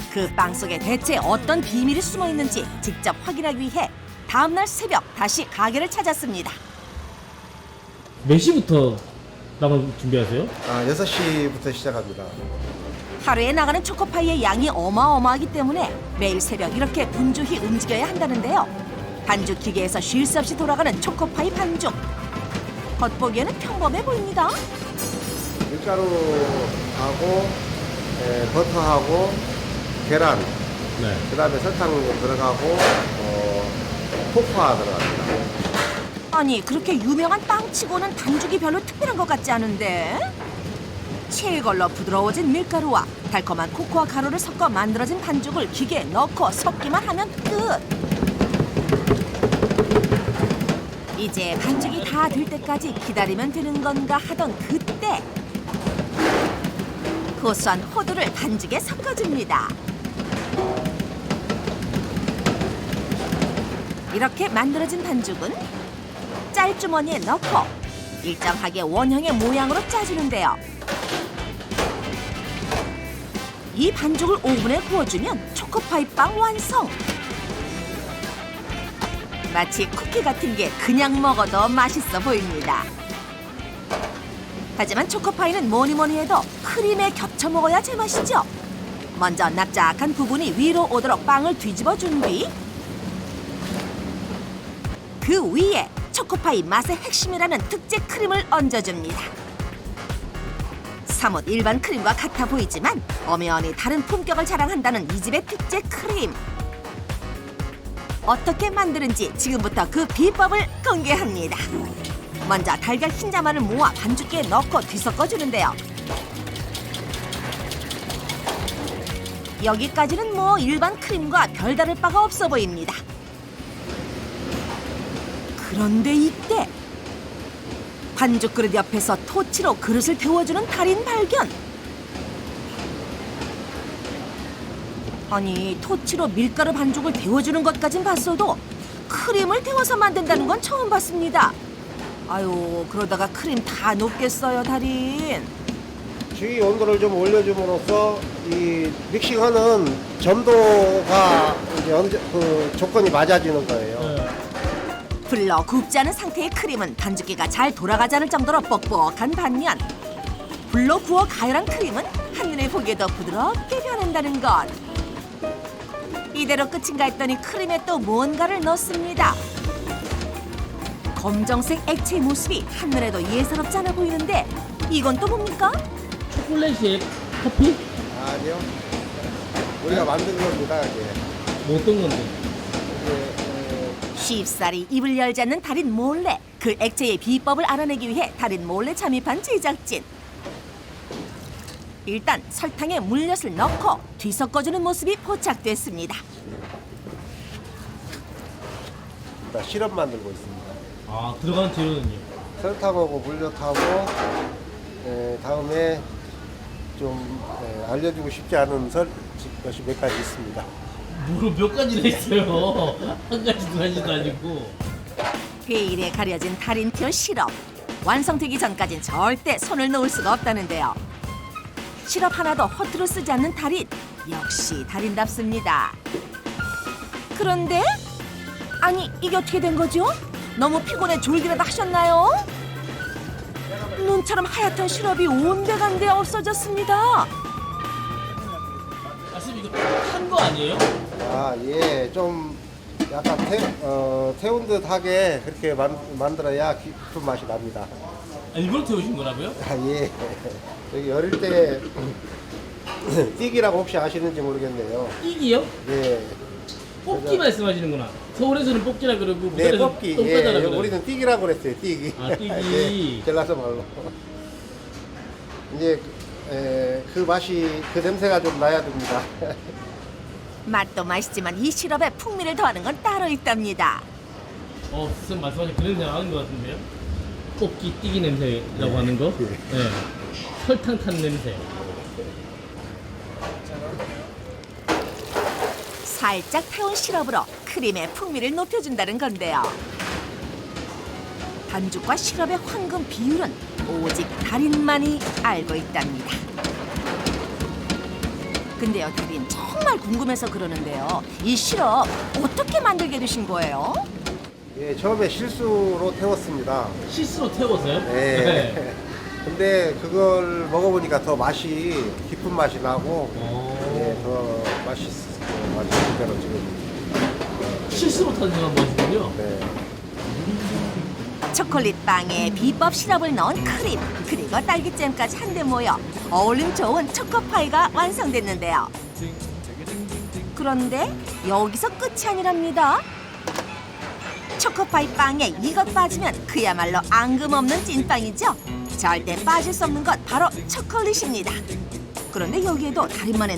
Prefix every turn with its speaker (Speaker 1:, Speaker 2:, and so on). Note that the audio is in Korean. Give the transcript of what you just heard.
Speaker 1: 그 빵 속에 대체 어떤 비밀이 숨어 있는지 직접 확인하기 위해 다음날 새벽 다시 가게를 찾았습니다.
Speaker 2: 몇 시부터 나갈 준비하세요?
Speaker 3: 6시부터 시작합니다.
Speaker 1: 하루에 나가는 초코파이의 양이 어마어마하기 때문에 매일 새벽 이렇게 분주히 움직여야 한다는데요. 반죽 기계에서 쉴 새 없이 돌아가는 초코파이 반죽. 겉보기에는 평범해 보입니다.
Speaker 3: 밀가루하고 버터하고 계란,
Speaker 2: 네.
Speaker 3: 그다음에 설탕 들어가고 코코아 들어갑니다.
Speaker 1: 아니 그렇게 유명한 빵치고는 반죽이 별로 특별한 것 같지 않은데? 체에 걸러 부드러워진 밀가루와 달콤한 코코아 가루를 섞어 만들어진 반죽을 기계에 넣고 섞기만 하면 끝! 이제 반죽이 다 될 때까지 기다리면 되는 건가 하던 그때 고소한 호두를 반죽에 섞어줍니다. 이렇게 만들어진 반죽은 짤주머니에 넣고 일정하게 원형의 모양으로 짜주는데요. 이 반죽을 오븐에 구워주면 초코파이 빵 완성! 마치 쿠키 같은 게 그냥 먹어도 맛있어 보입니다. 하지만 초코파이는 뭐니 해도 크림에 겹쳐 먹어야 제맛이죠. 먼저 납작한 부분이 위로 오도록 빵을 뒤집어 준 뒤 그 위에 초코파이 맛의 핵심이라는 특제 크림을 얹어줍니다. 사뭇 일반 크림과 같아 보이지만 엄연히 다른 품격을 자랑한다는 이 집의 특제 크림. 어떻게 만드는지 지금부터 그 비법을 공개합니다. 먼저 달걀 흰자만을 모아 반죽기에 넣고 뒤섞어주는데요. 여기까지는 뭐 일반 크림과 별다를 바가 없어 보입니다. 그런데 이때 반죽 그릇 옆에서 토치로 그릇을 데워주는 달인 발견. 아니 토치로 밀가루 반죽을 데워주는 것까진 봤어도 크림을 데워서 만든다는 건 처음 봤습니다. 아유 그러다가 크림 다 녹겠어요 달인.
Speaker 3: 주위 온도를 좀 올려줌으로써 이 믹싱하는 점도가 이제 조건이 맞아지는 거예요.
Speaker 2: 네.
Speaker 1: 불러 굽지 않은 상태의 크림은 반죽기가 잘 돌아가지 않을 정도로 뻑뻑한 반면 불로 구워 가열한 크림은 한눈에 보기에도 부드럽게 변한다는 것. 이대로 끝인가 했더니 크림에 또 뭔가를 넣습니다. 검정색 액체 모습이 한눈에도 예사롭지 않아 보이는데 이건 또 뭡니까?
Speaker 2: 초콜릿에 커피?
Speaker 3: 아니요. 우리가 만든 겁니다, 이게.
Speaker 2: 뭐 어떤 건데?
Speaker 3: 이게
Speaker 1: 쉽사리 입을 열지 않는 달인 몰래 그 액체의 비법을 알아내기 위해 달인 몰래 잠입한 제작진. 일단 설탕에 물엿을 넣고 뒤섞어주는 모습이 포착됐습니다.
Speaker 3: 시럽 만들고 있습니다.
Speaker 2: 아, 들어가는 재료는요?
Speaker 3: 설탕하고 물엿하고 다음에 좀 알려주고 싶지 않은 것이 몇 가지 있습니다.
Speaker 2: 뭐로 몇 가지나 있어요. 한 가지도 하지도 아니고.
Speaker 1: 베일에 가려진 달인표 시럽. 완성되기 전까진 절대 손을 놓을 수가 없다는데요. 시럽 하나도 허투루 쓰지 않는 달인. 역시 달인답습니다. 그런데 아니 이게 어떻게 된 거죠? 너무 피곤해 졸기라도 하셨나요? 눈처럼 하얗던 시럽이 온데간데 없어졌습니다.
Speaker 2: 아쌤 이거 탄 거 아니에요?
Speaker 3: 아, 예, 좀 약간 태운 듯하게 그렇게 만들어야 깊은 맛이 납니다.
Speaker 2: 아, 일부러 태우신 거라고요?
Speaker 3: 아, 예. 여기 어릴 때 띠기라고 혹시 아시는지 모르겠네요.
Speaker 2: 띠기요?
Speaker 3: 예.
Speaker 2: 뽑기 말씀하시는구나. 서울에서는 뽑기라 그러고
Speaker 3: 네,
Speaker 2: 부산에서는
Speaker 3: 뽑기.
Speaker 2: 똥까다라
Speaker 3: 예,
Speaker 2: 그래요.
Speaker 3: 우리는 띠기라고 그랬어요, 띠기.
Speaker 2: 아, 띠기.
Speaker 3: 예, 전라도 말로. 이제 그 맛이, 그 냄새가 좀 나야 됩니다.
Speaker 1: 맛도 맛있지만 이 시럽에 풍미를 더하는 건 따로 있답니다.
Speaker 2: 쌤 말씀하신 그런 생각 하는 것 같은데요? 뽑기 띠기 냄새라고 하는 거?
Speaker 3: 예.
Speaker 2: 네. 설탕 탄 냄새.
Speaker 1: 살짝 태운 시럽으로 크림의 풍미를 높여준다는 건데요. 반죽과 시럽의 황금 비율은 오직 달인만이 알고 있답니다. 근데요, 달인 정말 궁금해서 그러는데요. 이 시럽 어떻게 만들게 되신 거예요?
Speaker 3: 예, 처음에 실수로 태웠습니다.
Speaker 2: 실수로 태워서요?
Speaker 3: 네. 근데 그걸 먹어보니까 더 맛이 깊은 맛이 나고 예, 더 맛있는 대로 지금
Speaker 2: 실수로 탄생한 맛이군요.
Speaker 3: 네.
Speaker 1: 초콜릿 빵에 비법 시럽을 넣은 크림 그리고 딸기잼까지 한데 모여 어울림 좋은 초코파이가 완성됐는데요. 그런데 여기서 끝이 아니랍니다. 초코파이 빵에 이것 빠지면 그야말로 앙금없는 찐빵이죠. 절대 빠질 수 없는 것 바로 초콜릿입니다. 그런데 여기에도 달인만의